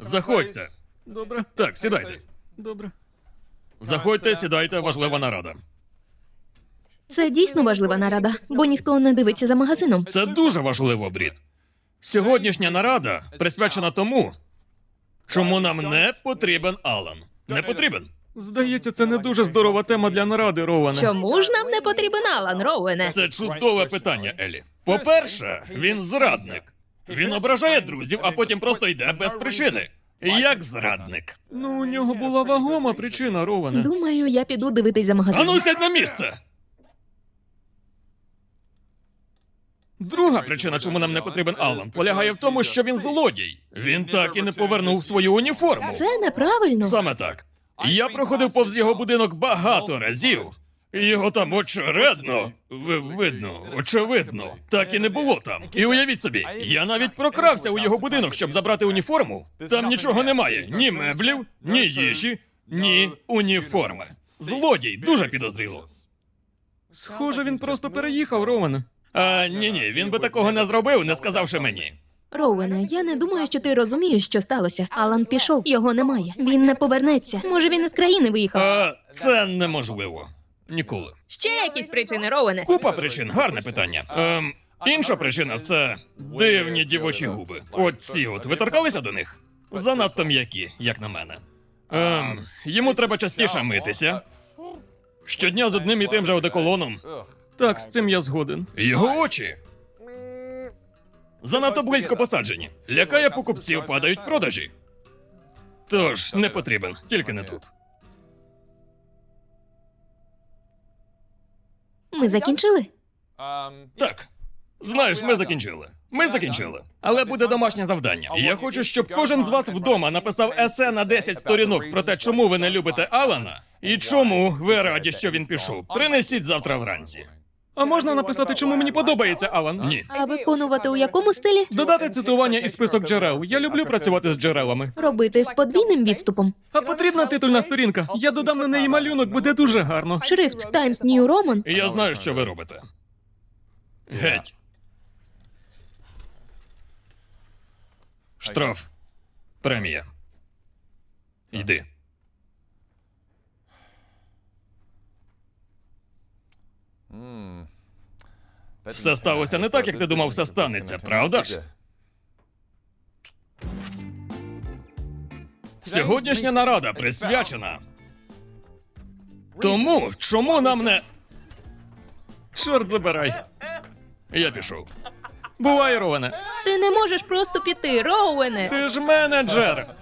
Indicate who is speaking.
Speaker 1: Заходьте.
Speaker 2: Добре.
Speaker 1: Так, сідайте.
Speaker 2: Добре.
Speaker 1: Заходьте, сідайте, важлива нарада.
Speaker 3: Це дійсно важлива нарада, бо ніхто не дивиться за магазином.
Speaker 1: Це дуже важливо, Брід. Сьогоднішня нарада присвячена тому, чому нам не потрібен Алан. Не потрібен.
Speaker 2: Здається, це не дуже здорова тема для наради, Роуене.
Speaker 3: Чому ж нам не потрібен Алан, Роуене?
Speaker 1: Це чудове питання, Елі. По-перше, він зрадник. Він ображає друзів, а потім просто йде без причини. Як зрадник.
Speaker 2: Ну, у нього була вагома причина, Роуене.
Speaker 3: Думаю, я піду дивитись за магазином.
Speaker 1: Ану, сядь на місце! Друга причина, чому нам не потрібен Алан, полягає в тому, що він злодій. Він так і не повернув свою уніформу.
Speaker 3: Це неправильно.
Speaker 1: Саме так. Я проходив повз його будинок багато разів. І його там очевидно, так і не було там. І уявіть собі, я навіть прокрався у його будинок, щоб забрати уніформу. Там нічого немає. Ні меблів, ні їжі, ні уніформи. Злодій, дуже підозріло.
Speaker 2: Схоже, він просто переїхав, Роуене.
Speaker 1: Ні, він би такого не зробив, не сказавши мені.
Speaker 3: Роуене, я не думаю, що ти розумієш, що сталося. Алан пішов, його немає. Він не повернеться. Може, він із країни виїхав.
Speaker 1: Це неможливо. Ніколи.
Speaker 3: Ще якісь причини, Роуене?
Speaker 1: Купа причин, гарне питання. Інша причина це дивні дівочі губи. Оці от, ви торкалися до них? Занадто м'які, як на мене. Йому треба частіше митися. Щодня з одним і тим же одеколоном.
Speaker 2: Так, з цим я згоден.
Speaker 1: Його очі занадто близько посаджені. Лякає покупців, падають продажі. Тож, не потрібен, тільки не тут.
Speaker 3: Ми закінчили?
Speaker 1: Так. Знаєш, ми закінчили. Але буде домашнє завдання. Я хочу, щоб кожен з вас вдома написав есе на 10 сторінок про те, чому ви не любите Алана і чому ви раді, що він пішов. Принесіть завтра вранці.
Speaker 2: А можна написати, чому мені подобається Алан?
Speaker 1: Ні.
Speaker 3: А виконувати у якому стилі?
Speaker 2: Додати цитування і список джерел. Я люблю працювати з джерелами.
Speaker 3: Робити з подвійним відступом.
Speaker 2: А потрібна титульна сторінка. Я додам на неї малюнок, буде дуже гарно.
Speaker 3: Шрифт Times New Roman.
Speaker 1: Я знаю, що ви робите. Геть. Штраф. Премія. Йди. Все сталося не так, як ти думав, все станеться, правда ж? Сьогоднішня нарада присвячена тому, чому нам не...
Speaker 2: Чорт забирай.
Speaker 1: Я пішов.
Speaker 2: Бувай, Роуене.
Speaker 3: Ти не можеш просто піти, Роуене.
Speaker 2: Ти ж менеджер.